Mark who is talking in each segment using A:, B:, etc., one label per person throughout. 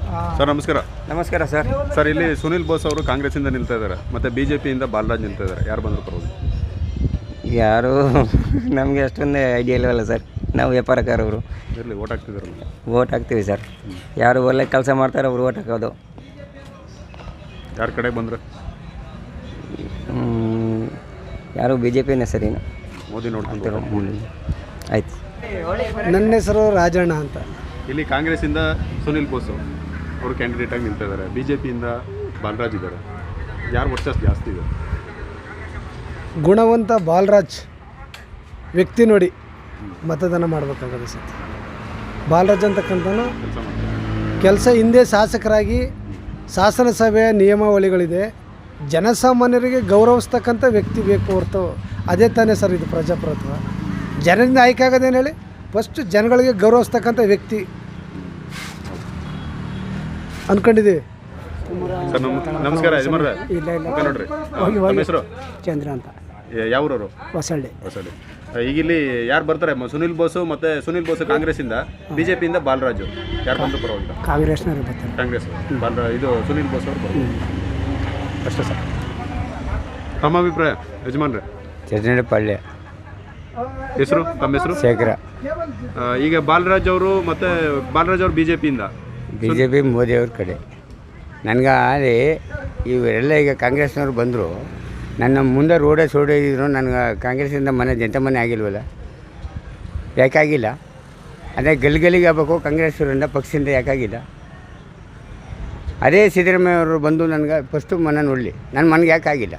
A: Sir ನಮಸ್ಕಾರ.
B: ನಮಸ್ಕಾರ sir.
A: Sir ಇಲ್ಲಿ ಸುನಿಲ್ ಬೋಸ್ ಅವರು ಕಾಂಗ್ರೆಸ್ಸಿಂದ ನಿಲ್ತಾ ಇದ್ದಾರೆ, ಮತ್ತು BJPಯಿಂದ ಬಾಲರಾಜ್ ನಿಲ್ತಾ ಇದ್ದಾರೆ. ಯಾರು ಬಂದರೂ ಪರವಾಗಿಲ್ಲ?
B: ಯಾರು ನಮಗೆ ಅಷ್ಟೊಂದು ಐಡಿಯಾ ಇಲ್ಲವಲ್ಲ ಸರ್. ನಾವು ವ್ಯಾಪಾರಕಾರವರು.
A: ಇರಲಿ, ಓಟ್ ಹಾಕ್ತಿದ್ದಾರಲ್ಲ?
B: ಓಟ್ ಹಾಕ್ತೀವಿ ಸರ್. ಯಾರು ಒಳ್ಳೆ ಕೆಲಸ ಮಾಡ್ತಾರೆ ಅವ್ರು ಓಟ್ ಹಾಕೋದು.
A: ಯಾರ ಕಡೆ ಬಂದರೆ?
B: ಯಾರು BJPನೇ ಸರ್. ಇನ್ನು
A: ಮೋದಿ ನೋಡ್ಕೊಂಡು
B: ಆಯ್ತು.
C: ನನ್ನ ಹೆಸರು ರಾಜಣ್ಣ ಅಂತ.
A: ಇಲ್ಲಿ ಕಾಂಗ್ರೆಸ್ಸಿಂದ ಸುನಿಲ್ ಬೋಸ್ ಅವರು ಕ್ಯಾಂಡಿಡೇಟ್ ಆಗಿ ನಿಲ್ತಾ ಇದ್ದಾರೆ, BJPಯಿಂದ ಬಾಲರಾಜ್ ಇದ್ದಾರೆ. ಯಾರು ವರ್ಚಸ್ ಜಾಸ್ತಿ ಇದೆ?
C: ಗುಣವಂತ ಬಾಲರಾಜ್ ವ್ಯಕ್ತಿ ನೋಡಿ ಮತದಾನ ಮಾಡಬೇಕಾಗತ್ತೆ ಸರ್. ಬಾಲರಾಜ್ ಅಂತಕ್ಕಂಥನು
A: ಕೆಲಸ ಮಾಡ್ತಾರೆ.
C: ಕೆಲಸ ಹಿಂದೆ ಶಾಸಕರಾಗಿ ಶಾಸನಸಭೆಯ ನಿಯಮಾವಳಿಗಳಿದೆ, ಜನಸಾಮಾನ್ಯರಿಗೆ ಗೌರವಿಸ್ತಕ್ಕಂಥ ವ್ಯಕ್ತಿ ಬೇಕು ಹೊರತು ಅದೇ ತಾನೇ ಸರ್ ಇದು ಪ್ರಜಾಪ್ರಭುತ್ವ. ಜನರಿಂದ ಆಯ್ಕೆ ಆಗೋದೇನು ಹೇಳಿ, ಫಸ್ಟ್ ಜನಗಳಿಗೆ ಗೌರವಿಸ್ತಕ್ಕಂಥ ವ್ಯಕ್ತಿ ಅಂದ್ಕೊಂಡಿದ್ದೀವಿ.
A: ಸರ್ ನಮಸ್ಕಾರ ಯಜಮಾನ್ರೆ. ನೋಡ್ರಿ, ನಮ್ಮ ಹೆಸರು
C: ಚಂದ್ರ ಅಂತ.
A: ಯಾವ ಊರವರು?
C: ಹೊಸಳ್ಳಿ.
A: ಹೊಸಳ್ಳಿ. ಈಗ ಇಲ್ಲಿ ಯಾರು ಬರ್ತಾರೆ? ಸುನಿಲ್ ಬೋಸು, ಮತ್ತು ಸುನಿಲ್ ಬೋಸು ಕಾಂಗ್ರೆಸ್ಸಿಂದ, BJPಯಿಂದ ಬಾಲರಾಜು. ಯಾರು ಬಂದರೂ ಪರವಾಗಿಲ್ಲ?
C: ಕಾಂಗ್ರೆಸ್ನವರು ಬರ್ತಾರೆ.
A: ಕಾಂಗ್ರೆಸ್ ಇದು ಸುನಿಲ್ ಬೋಸ್ ಅವರು ಬರ್ತಾರೆ ಅಷ್ಟೇ ಸರ್. ತಮ್ಮ ಅಭಿಪ್ರಾಯ ಯಜಮಾನ್ರೆ?
B: ಚಟ್ನಳ್ಳಿ
A: ಹೆಸರು? ತಮ್ಮ ಹೆಸರು?
B: ಶೇಖರ.
A: ಈಗ ಬಾಲರಾಜ್ ಅವರು BJPಯಿಂದ.
B: BJP ಮೋದಿಯವ್ರ ಕಡೆ. ನನಗೆ ಅಲ್ಲಿ ಇವರೆಲ್ಲ ಈಗ ಕಾಂಗ್ರೆಸ್ನವ್ರು ಬಂದರು, ನನ್ನ ಮುಂದೆ ರೋಡೇ ಸೋಡಿದ್ರು. ನನಗೆ ಕಾಂಗ್ರೆಸ್ಸಿಂದ ಜನತಾ ಮನೆ ಆಗಿಲ್ವಲ್ಲ, ಯಾಕಾಗಿಲ್ಲ? ಅದೇ ಗಲ್ಲಿಗೆ ಆಗಬೇಕು ಕಾಂಗ್ರೆಸ್ವರಿಂದ, ಪಕ್ಷದಿಂದ ಯಾಕಾಗಿಲ್ಲ? ಅದೇ ಸಿದ್ದರಾಮಯ್ಯ ಅವರು ಬಂದು ನನಗೆ ಫಸ್ಟು ಮನೆ ನೋಡಲಿ, ನನ್ನ ಮನೆಗೆ ಯಾಕಾಗಿಲ್ಲ?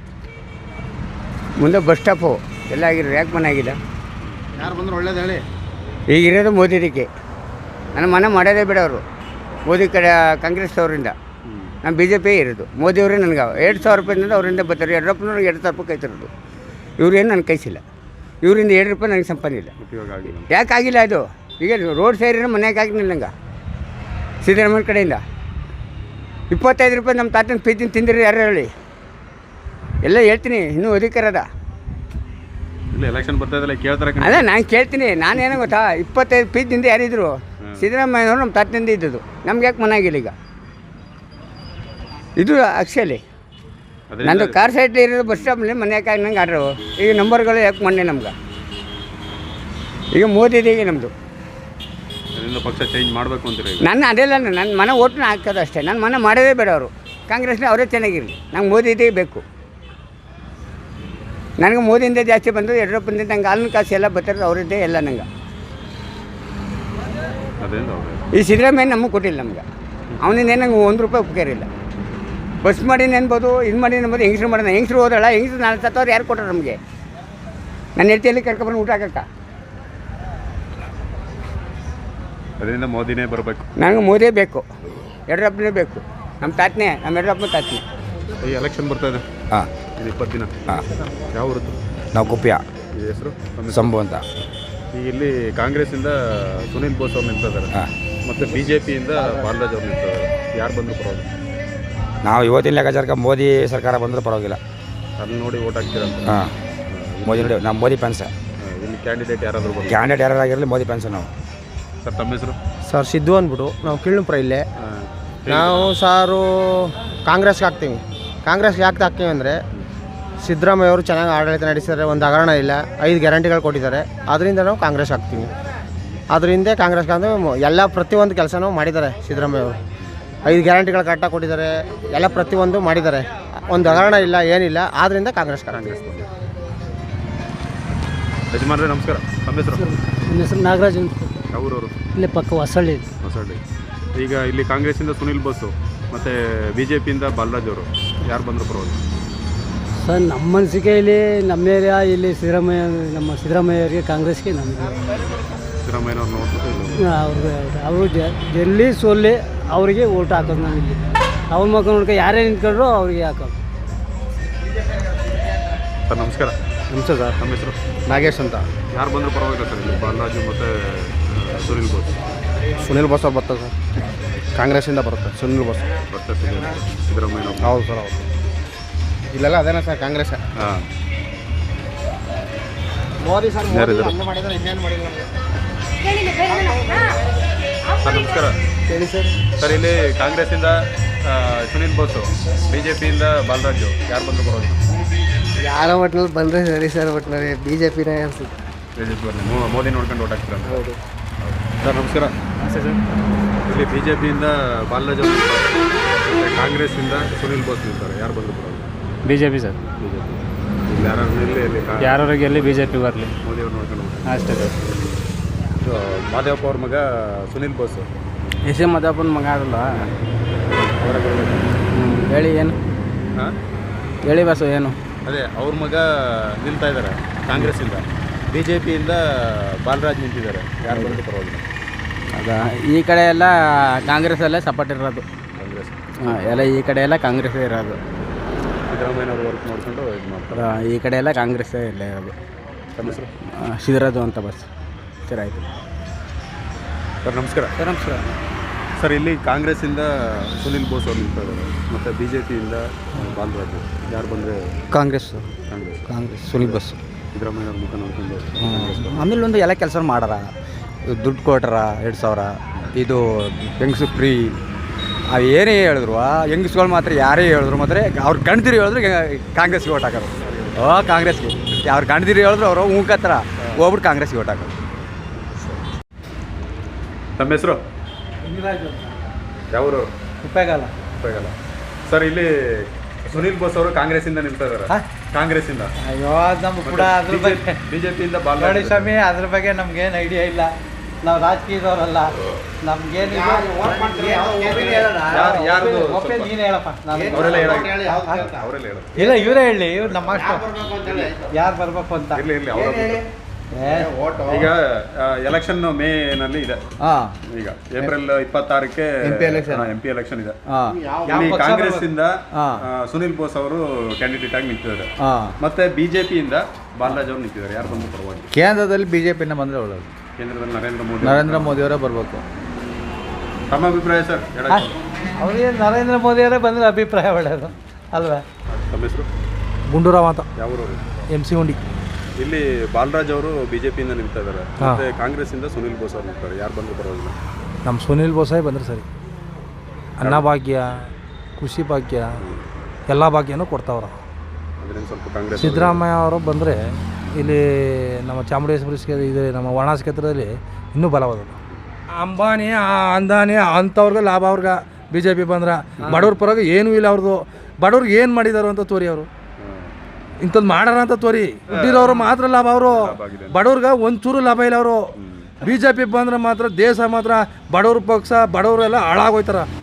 B: ಮುಂದೆ ಬಸ್ ಸ್ಟಾಪು ಎಲ್ಲ ಆಗಿರೋ, ಯಾಕೆ ಮನೆ ಆಗಿಲ್ಲ?
A: ಯಾರು ಬಂದರೂ ಒಳ್ಳೇದು ಹೇಳಿ.
B: ಈಗಿರೋದು ಮೋದಿದಕ್ಕೆ. ನನ್ನ ಮನೆ ಮಾಡೋದೇ ಬೇಡ ಅವರು, ಮೋದಿ ಕಡೆ ಕಾಂಗ್ರೆಸ್ ಅವರಿಂದ. ನಾನು BJP ಇರೋದು, ಮೋದಿಯವರೇ ನನಗೆ 2,000 ರೂಪಾಯಿಂದ ಅವರಿಂದ ಬರ್ತಾರೆ. ಯಡಿಯೂರಪ್ಪನವ್ರಿಗೆ 2,000 ರೂಪಾಯಿ ಕೈತಿರೋದು. ಇವ್ರೇನು ನನಗೆ ಕೈಸಿಲ್ಲ, ಇವರಿಂದ 2 ರೂಪಾಯಿ ನನಗೆ ಸಂಪಾದನೆ ಇಲ್ಲ. ಯಾಕಾಗಿಲ್ಲ ಅದು? ಈಗ ರೋಡ್ ಸೈಡಿನ ಮನೆಯಾಗ ಆಗಿಲ್ಲ ನಂಗೆ ಸಿದ್ದರಾಮಯ್ಯ ಕಡೆಯಿಂದ. 25 ರೂಪಾಯಿ ನಮ್ಮ ತಾತನ ಪ್ರೀತಿನ ತಿಂದಿರಿ ಯಾರು ಹೇಳಿ? ಎಲ್ಲ ಹೇಳ್ತೀನಿ, ಇನ್ನೂ ಅಧಿಕಾರ ಅದ.
A: ಇಲ್ಲ, ಎಲೆಕ್ಷನ್ ಬರ್ತಾ ಇದ್ದಲ್ಲ, ಕೇಳ್ತಾರೆ.
B: ಅಲ್ಲ, ನಾನು ಕೇಳ್ತೀನಿ. ನಾನೇನೋ ಗೊತ್ತಾ, 25 ಪ್ರೀತಿಯಿಂದ ಯಾರಿದ್ರು? ಸಿದ್ದರಾಮಯ್ಯನವರು ನಮ್ಮ ತಾತನಿಂದ ಇದ್ದದ್ದು. ನಮ್ಗೆ ಯಾಕೆ ಮನೆ ಆಗಿಲ್ಲ? ಈಗ ಇದು ಆ್ಯಕ್ಚುಲಿ ನಂದು ಕಾರ್ ಸೈಡ್ಲಿ ಇರೋದು, ಬಸ್ ಸ್ಟಾಪ್ಲಿ ಮನೆ ಯಾಕೆ ನಂಗೆ ಆಡ್ರು. ಈಗ ನಂಬರ್ಗಳು ಯಾಕೆ ಮೊನ್ನೆ ನಮ್ಗೆ? ಈಗ ಮೋದಿದಿಗೆ ನಮ್ಮದು
A: ಪಕ್ಷ ಚೇಂಜ್ ಮಾಡಬೇಕು ಅಂತೀರಿ?
B: ನನ್ನ ಅದೆಲ್ಲ ನನ್ನ ಮನೆ ಓಟ್ನ ಹಾಕೋದು ಅಷ್ಟೇ. ನನ್ನ ಮನೆ ಮಾಡೋದೇ ಬೇಡ ಅವರು. ಕಾಂಗ್ರೆಸ್ನ ಅವರೇ ಚೆನ್ನಾಗಿರಲಿ, ನಂಗೆ ಮೋದಿದೇ ಬೇಕು. ನನಗೆ ಮೋದಿಯಿಂದ ಜಾಸ್ತಿ ಬಂದು ಯಡಿಯೂರಪ್ಪನಿಂದ ನಂಗೆ ಹಾಲಿನ ಕಾಸು ಎಲ್ಲ ಬರ್ತಾರೆ, ಅವರದ್ದೇ ಎಲ್ಲ ನಂಗೆ. ಈ ಸಿದ್ದರಾಮಯ್ಯ ನಮಗೆ ಕೊಟ್ಟಿಲ್ಲ ನಮ್ಗೆ. ಅವನಿಂದ ನಂಗೆ 1 ರೂಪಾಯಿ ಉಪಕಾರ ಇಲ್ಲ. ಬಸ್ ಮಾಡಿ ನೆನ್ಬೋದು, ಇದು ಮಾಡಿ ನೆನ್ಬೋದು. ಹೆಂಗಸ್ರು ಮಾಡೋಣ, ಹೆಂಗಸ್ರು ಹೋದಲ್ಲ, ಹೆಂಗಸ್ರು 40,000 ಯಾರು ಕೊಟ್ಟರು ನಮಗೆ? ನನ್ನ ಹೆಂಡತಿಯಲ್ಲಿ ಕರ್ಕೊಬಂದು ಊಟ ಹಾಕಕ್ಕ.
A: ಅದರಿಂದ ಮೋದಿನೇ ಬರಬೇಕು.
B: ನನಗೆ ಮೋದಿಯೇ ಬೇಕು, ಯಡಿಯೂರಪ್ಪನೇ ಬೇಕು. ನಮ್ಮ ತಾತನೇ, ನಮ್ಮ ಯಡಿಯೂರಪ್ಪನ ತಾತನೇ.
A: ಈ ಎಲೆಕ್ಷನ್ ಬರ್ತಾ ಇದೆ.
D: ಹಾಂ,
A: ಇದು 20 ದಿನ.
D: ಹಾಂ.
A: ಯಾವ ಊರದ್ದು?
D: ನಾವು ಕುಪ್ಯ.
A: ಈ ಹೆಸರು?
D: ಸಂಭು ಅಂತ.
A: ಈಗ ಇಲ್ಲಿ ಕಾಂಗ್ರೆಸ್ಸಿಂದ ಸುನಿಲ್ ಬೋಸ್ ಅವ್ರು ನಿಲ್ತಾ ಇದ್ದಾರೆ,
D: ಹಾಂ,
A: ಮತ್ತು BJPಯಿಂದ ಬಾಲರಾಜ್ ಅವ್ರು ನಿಲ್ತಾ ಇದ್ದಾರೆ. ಯಾರು ಬಂದರೂ ಪರವಾಗಿಲ್ಲ?
D: ನಾವು ಇವತ್ತಿನ ಲೆಕ್ಕಾಚಾರಕ್ಕೆ ಮೋದಿ ಸರ್ಕಾರ ಬಂದರೂ ಪರವಾಗಿಲ್ಲ.
A: ಅಲ್ಲಿ ನೋಡಿ ಓಟ್ ಹಾಕ್ತೀರಂತ?
D: ಹಾಂ, ಮೋದಿ ನೋಡಿ, ನಾವು ಮೋದಿ ಫ್ಯಾನ್ಸ್.
A: ಇಲ್ಲಿ ಕ್ಯಾಂಡಿಡೇಟ್ ಯಾರಾದರೂ ಬಂದು?
D: ಕ್ಯಾಂಡಿಡೇಟ್ ಯಾರಾಗಿರಲಿ ಮೋದಿ ಫ್ಯಾನ್ಸ್ ನಾವು.
A: ಸರ್ ತಮ್ಮ ಹೆಸರು?
C: ಸರ್ ಸಿದ್ದು ಅಂದ್ಬಿಟ್ಟು, ನಾವು ಕಿಳ್ಳುಪುರ ಇಲ್ಲೇ. ನಾವು ಸಾರು ಕಾಂಗ್ರೆಸ್ಗೆ ಹಾಕ್ತೀವಿ. ಕಾಂಗ್ರೆಸ್ಗೆ ಯಾಕೆ ಹಾಕ್ತೀವಿ ಅಂದರೆ, ಸಿದ್ದರಾಮಯ್ಯ ಅವರು ಚೆನ್ನಾಗಿ ಆಡಳಿತ ನಡೆಸಿದ್ದಾರೆ, ಒಂದು ಹಗರಣ ಇಲ್ಲ, 5 ಗ್ಯಾರಂಟಿಗಳು ಕೊಟ್ಟಿದ್ದಾರೆ. ಅದರಿಂದ ನಾವು ಕಾಂಗ್ರೆಸ್ ಹಾಕ್ತೀವಿ. ಅದರಿಂದ ಕಾಂಗ್ರೆಸ್ಗೆ ಅಂದರೆ ಎಲ್ಲ ಪ್ರತಿಯೊಂದು ಕೆಲಸನೂ ಮಾಡಿದ್ದಾರೆ ಸಿದ್ದರಾಮಯ್ಯ ಅವರು. 5 ಗ್ಯಾರಂಟಿಗಳು ಕರೆಕ್ಟಾಗಿ ಕೊಟ್ಟಿದ್ದಾರೆ, ಎಲ್ಲ ಪ್ರತಿಯೊಂದು ಮಾಡಿದ್ದಾರೆ. ಒಂದು ಹಗರಣ ಇಲ್ಲ, ಏನಿಲ್ಲ. ಆದ್ದರಿಂದ ಕಾಂಗ್ರೆಸ್
A: ಯಜಮಾನ್ರೆ ನಮಸ್ಕಾರ. ತಮ್ಮ ಹೆಸರು?
C: ನನ್ನ ಹೆಸರು ನಾಗರಾಜ್ ಅಂತ.
A: ಯಾವ ಊರವರು?
C: ಇಲ್ಲೇ ಪಕ್ಕ ಹೊಸಳ್ಳಿ.
A: ಹೊಸಳ್ಳಿ. ಈಗ ಇಲ್ಲಿ ಕಾಂಗ್ರೆಸ್ಸಿಂದ ಸುನಿಲ್ ಬೋಸು ಮತ್ತು BJPಯಿಂದ ಬಾಲರಾಜ್ ಅವರು. ಯಾರು ಬಂದರೂ ಪರವಾಗಿಲ್ಲ?
C: ಸರ್ ನಮ್ಮ ಮನಸ್ಸಿಗೆ ಇಲ್ಲಿ ನಮ್ಮ ಏರಿಯಾ ಇಲ್ಲಿ ನಮ್ಮ ಸಿದ್ದರಾಮಯ್ಯವರಿಗೆ, ಕಾಂಗ್ರೆಸ್ಗೆ ನಮಗೆ
A: ಸಿದ್ದರಾಮಯ್ಯನವ್ರು ನೋಡ್ಬಿಟ್ಟು
C: ಅವರು ಗೆಲ್ಲಿ ಸೋಲ್ಲಿ ಅವರಿಗೆ ಓಟ್ ಹಾಕೋದು. ನಾವು ಇಲ್ಲಿ ಅವ್ರ ಮಕ್ಕಳು ನೋಡ್ಕೊ ಯಾರೇ ನಿಂತ್ಕೊಂಡ್ರು ಅವ್ರಿಗೆ ಹಾಕೋದು.
A: ಸರ್ ನಮಸ್ಕಾರ.
C: ನಮಸ್ತೆ ಸರ್.
A: ನಮ್ಮ ಹೆಸರು?
C: ನಾಗೇಶ್ ಅಂತ.
A: ಯಾರು ಬಂದರೂ ಪರವಾಗಿಲ್ಲ ಸರ್ ಇಲ್ಲಿ ಬಾಲರಾಜು ಮತ್ತು ಸುನಿಲ್ ಬೋಸ್?
C: ಸುನಿಲ್ ಬೋಸ್ ಅವ್ರು ಬರ್ತಾರೆ ಸರ್, ಕಾಂಗ್ರೆಸ್ಸಿಂದ ಬರುತ್ತೆ ಸುನಿಲ್ ಬೋಸ್.
A: ಬರ್ತಾರೆ ಸಿದ್ದರಾಮಯ್ಯ?
C: ಹೌದು ಸರ್, ಹೌದು. ಇಲ್ಲೆಲ್ಲ ಅದೇನಾ ಸರ್ ಕಾಂಗ್ರೆಸ್.
A: ಹಾಂ.
C: ಮೋದಿ ಸರ್
A: ಸರ್ ನಮಸ್ಕಾರ.
C: ಹೇಳಿ ಸರ್.
A: ಸರ್ ಇಲ್ಲಿ ಕಾಂಗ್ರೆಸ್ಸಿಂದ ಸುನಿಲ್ ಬೋಸು, ಬಿ ಜೆ ಪಿಯಿಂದ ಬಾಲರಾಜು, ಯಾರು ಬಂದರೂ ಬರೋದು?
C: ಯಾರ ಒಟ್ಟಿನಲ್ಲಿ ಬಂದರೆ ಸರಿ ಸರ್, ಒಟ್ಟಿನಲ್ಲಿ ಬಿ ಜೆ ಪಿನೇ ಅನಿಸುತ್ತೆ.
A: ಬಿ ಜೆ ಪಿ ಬರಲಿ, ಮೋದಿ ನೋಡ್ಕೊಂಡು ಓಟ್ ಹಾಕ್ತೀರ?
C: ಹೌದು
A: ಸರ್ ನಮಸ್ಕಾರ.
E: ಸರ್
A: ಇಲ್ಲಿ ಬಿ ಜೆ ಪಿಯಿಂದ ಬಾಲರಾಜ್ ಅವರು ನಿಲ್ತಾರೆ, ಮತ್ತು ಕಾಂಗ್ರೆಸ್ಸಿಂದ ಸುನಿಲ್ ಬೋಸ್ ನಿಲ್ತಾರೆ, ಯಾರು ಬಂದರೂ ಬರೋದು?
E: B J P sir.
A: B J P. ಇಲ್ಲಿ ಯಾರು ನಿಲ್ಲಿ ಇಲ್ಲಿ
E: ಯಾರು ಗೆಲ್ಲಿ ಬಿ ಜೆ ಪಿ ಬರಲಿ
A: ಮೋದಿ ಅವ್ರು ನೋಡ್ಕೊಂಡು ಹೋಗ್ತಾರೆ.
E: ಅಷ್ಟೇ ಸರ್.
A: ಇದು ಮಾದೇವಪ್ಪ ಅವ್ರ ಮಗ ಸುನಿಲ್ ಬೋಸು,
B: ಎಸ್ ಎ ಮದಪ್ಪನ ಮಗ ಅದಲ್ಲ.
A: ಅವರ
B: ಹೇಳಿ ಏನು
A: ಹಾಂ
B: ಹೇಳಿ ಬಸ್ಸು ಏನು?
A: ಅದೇ ಅವ್ರ ಮಗ ನಿಲ್ತಾ ಇದ್ದಾರೆ ಕಾಂಗ್ರೆಸ್ಸಿಂದ, ಬಿ ಜೆ ಪಿಯಿಂದ ಬಾಲರಾಜ್ ನಿಂತಿದ್ದಾರೆ, ಯಾರು ಬಂದರೂ ಪರವಾಗಿಲ್ಲ?
B: ಅದ ಈ ಕಡೆ ಎಲ್ಲ ಕಾಂಗ್ರೆಸ್ಸಲ್ಲೇ ಸಪೋರ್ಟ್ ಇರೋದು.
A: ಕಾಂಗ್ರೆಸ್
B: ಎಲ್ಲ ಈ ಕಡೆ ಎಲ್ಲ ಕಾಂಗ್ರೆಸ್ಸೇ ಇರೋದು.
A: ಸಿದ್ದರಾಮಯ್ಯನವ್ರು ವರ್ಕ್ ಮಾಡ್ಕೊಂಡು ಇದು ಮಾಡ್ತಾರೆ.
B: ಈ ಕಡೆ ಎಲ್ಲ ಕಾಂಗ್ರೆಸ್ಸೇ ಇಲ್ಲ ಇರೋದು.
A: ತಮ್ಮ ಹೆಸರು?
B: ಸಿದ್ದರಾಜು ಅಂತ ಬಸ್. ಸರಿ ಆಯಿತು
A: ಸರ್ ನಮಸ್ಕಾರ.
B: ಸರ್ ನಮಸ್ಕಾರ.
A: ಸರ್ ಇಲ್ಲಿ ಕಾಂಗ್ರೆಸ್ಸಿಂದ ಸುನಿಲ್ ಬೋಸ್ ಅವ್ರು ನಿಲ್ತಾ ಇದ್ದಾರೆ, ಮತ್ತು ಬಿ ಜೆ ಪಿಯಿಂದ ಬಾಲರಾಜು, ಯಾರು ಬಂದರೆ?
B: ಕಾಂಗ್ರೆಸ್
A: ಕಾಂಗ್ರೆಸ್.
B: ಸುನಿಲ್ ಬಸ್.
A: ಸಿದ್ದರಾಮಯ್ಯವ್ರ ಮುಖ ನೋಡ್ಕೊಂಡು ಕಾಂಗ್ರೆಸ್ ಬಂದ್ರು.
B: ಆಮೇಲೆ ಒಂದು ಎಲ್ಲ ಕೆಲಸ ಮಾಡಾರ, ದುಡ್ಡು ಕೊಟ್ಟಾರ 2000, ಇದು ಹೆಂಗಸು ಫ್ರೀ, ಅವು ಏನೇ ಹೇಳಿದ್ರು ಹೆಂಗಸ್ಗಳು ಮಾತ್ರ ಯಾರೇ ಹೇಳಿದ್ರು ಮಾತ್ರ ಅವ್ರು ಗಂಡ್ದಿರಿ ಹೇಳಿದ್ರು ಕಾಂಗ್ರೆಸ್ಗೆ ಓಟ್ ಹಾಕೋರು. ಕಾಂಗ್ರೆಸ್ಗೆ ಅವ್ರು ಗಂಡ್ದಿರಿ ಹೇಳಿದ್ರು ಅವರು ಹೂಕತ್ರ ಹೋಗ್ಬಿಟ್ಟು ಕಾಂಗ್ರೆಸ್ಗೆ ಓಟ್ ಹಾಕೋರು.
A: ತಮ್ಮ ಹೆಸರು? ಯಾವರು?
C: ಉಪಯೋಗಲ್ಲ.
A: ಉಪಯೋಗಲ್ಲ. ಸರ್ ಇಲ್ಲಿ ಸುನಿಲ್ ಬೋಸ್ ಅವರು ಕಾಂಗ್ರೆಸ್ಸಿಂದ ನಿಲ್ತಾ ಇದ್ದಾರೆ, ಕಾಂಗ್ರೆಸ್ಸಿಂದ.
C: ಅಯ್ಯೋ ನಮ್ಗೆ ಕೂಡ ಅದ್ರ ಬಗ್ಗೆ
A: ಬಿ ಜೆ ಪಿಯಿಂದ
C: ನೋಡಿ
A: ಬಾಲರಾಜ್.
C: ಸ್ವಾಮಿ, ಅದ್ರ ಬಗ್ಗೆ ನಮ್ಗೇನು ಐಡಿಯಾ ಇಲ್ಲ, ನಾವು ರಾಜಕೀಯದವರಲ್ಲ, ನಮ್ಗೇನು
A: ಯಾರ್ದು
C: ನೀನು ಹೇಳಪ್ಪ.
A: ಅವರೆಲ್ಲ ಅವರೆಲ್ಲ ಹೇಳೋದು.
C: ಇಲ್ಲ ಇವರೇ ಹೇಳಿ, ಇವ್ರು ನಮ್ಮ ಯಾರು ಬರ್ಬೇಕು ಅಂತ.
A: ಇರಲಿ ಇರಲಿ ಅವರು. ಈಗ ಎಲೆಕ್ಷನ್ ಮೇನಲ್ಲಿ ಇದೆ, ಈಗ ಏಪ್ರಿಲ್ 26ಕ್ಕೆ ಎಂ ಪಿ ಎಲೆಕ್ಷನ್ ಇದೆ. ಇಲ್ಲಿ ಕಾಂಗ್ರೆಸ್ಸಿಂದ ಸುನಿಲ್ ಬೋಸ್ ಅವರು ಕ್ಯಾಂಡಿಡೇಟ್ ಆಗಿ ನಿಂತಿದ್ದಾರೆ, ಮತ್ತೆ ಬಿಜೆಪಿಯಿಂದ ಬಾಲರಾಜ್ ಅವರು ನಿಂತಿದ್ದಾರೆ, ಯಾರು ಬಂದು ಪರವಾಗಿ?
C: ಕೇಂದ್ರದಲ್ಲಿ ಬಿ ಜೆ ಪಿನ ಬಂದರೆ ಒಳ್ಳೆಯದು.
A: ಕೇಂದ್ರದಲ್ಲಿ
C: ನರೇಂದ್ರ ಮೋದಿಯವರೇ ಬರಬೇಕು.
A: ತಮ್ಮ ಅಭಿಪ್ರಾಯ ಸರ್?
C: ಅವರಿಗೆ ನರೇಂದ್ರ ಮೋದಿಯವರೇ ಬಂದರೆ ಅಭಿಪ್ರಾಯ ಒಳ್ಳೆಯದು ಅಲ್ವಾ?
A: ತಮ್ಮ ಹೆಸರು?
C: ಗುಂಡೂರಾವ್ ಅಂತ,
A: ಯಾವೂರವರು?
C: MC ಹುಂಡಿ.
A: ಇಲ್ಲಿ ಬಾಲರಾಜ್ ಅವರು ಬಿಜೆಪಿಯಿಂದ ನಿಲ್ತಾ ಇದ್ದಾರೆ, ಮತ್ತೆ ಕಾಂಗ್ರೆಸ್ಸಿಂದ ಸುನಿಲ್ ಬೋಸ್ ಅವರು ನಿಲ್ತಾರೆ, ಯಾರು ಬಂದು ಪರವಾಗಿಲ್ಲ?
F: ನಮ್ಮ ಸುನಿಲ್ ಬೋಸೇ ಬಂದರೆ ಸರಿ. ಅನ್ನಭಾಗ್ಯ, ಕೃಷಿ ಭಾಗ್ಯ, ಎಲ್ಲ ಭಾಗ್ಯನೂ ಕೊಡ್ತಾವ್ರ.
A: ಅದರಿಂದ ಸ್ವಲ್ಪ ಕಾಂಗ್ರೆಸ್.
F: ಸಿದ್ದರಾಮಯ್ಯ ಅವರು ಬಂದರೆ ಇಲ್ಲಿ ನಮ್ಮ ಚಾಮುಂಡೇಶ್ವರಿ ಇದು ನಮ್ಮ ವಾರಣಾಸಿ ಕ್ಷೇತ್ರದಲ್ಲಿ ಇನ್ನೂ ಬಲವಾದ. ಅಂಬಾನಿ ಅಂದಾನಿ ಅಂಥವ್ರಿಗೆ ಲಾಭ ಅವ್ರಿಗೆ ಬಿ ಜೆ ಪಿ ಬಂದ್ರೆ. ಬಡವ್ರ ಪರವಾಗಿ ಏನೂ ಇಲ್ಲ ಅವ್ರದ್ದು. ಬಡವ್ರಿಗೆ ಏನು ಮಾಡಿದಾರು ಅಂತ ತೋರಿ, ಅವರು ಇಂಥದ್ದು ಮಾಡಾರ ಅಂತ ತೋರಿ. ದುಡ್ಡಿರೋರು ಮಾತ್ರ ಲಾಭ, ಅವರು ಬಡವ್ರಿಗೆ ಒಂಚೂರು ಲಾಭ ಇಲ್ಲ. ಅವರು ಬಿ ಜೆ ಪಿ ಬಂದ್ರೆ ಮಾತ್ರ ದೇಶ ಮಾತ್ರ ಬಡವ್ರ ಪಕ್ಷ, ಬಡವರೆಲ್ಲ ಹಾಳಾಗೋಯ್ತಾರ.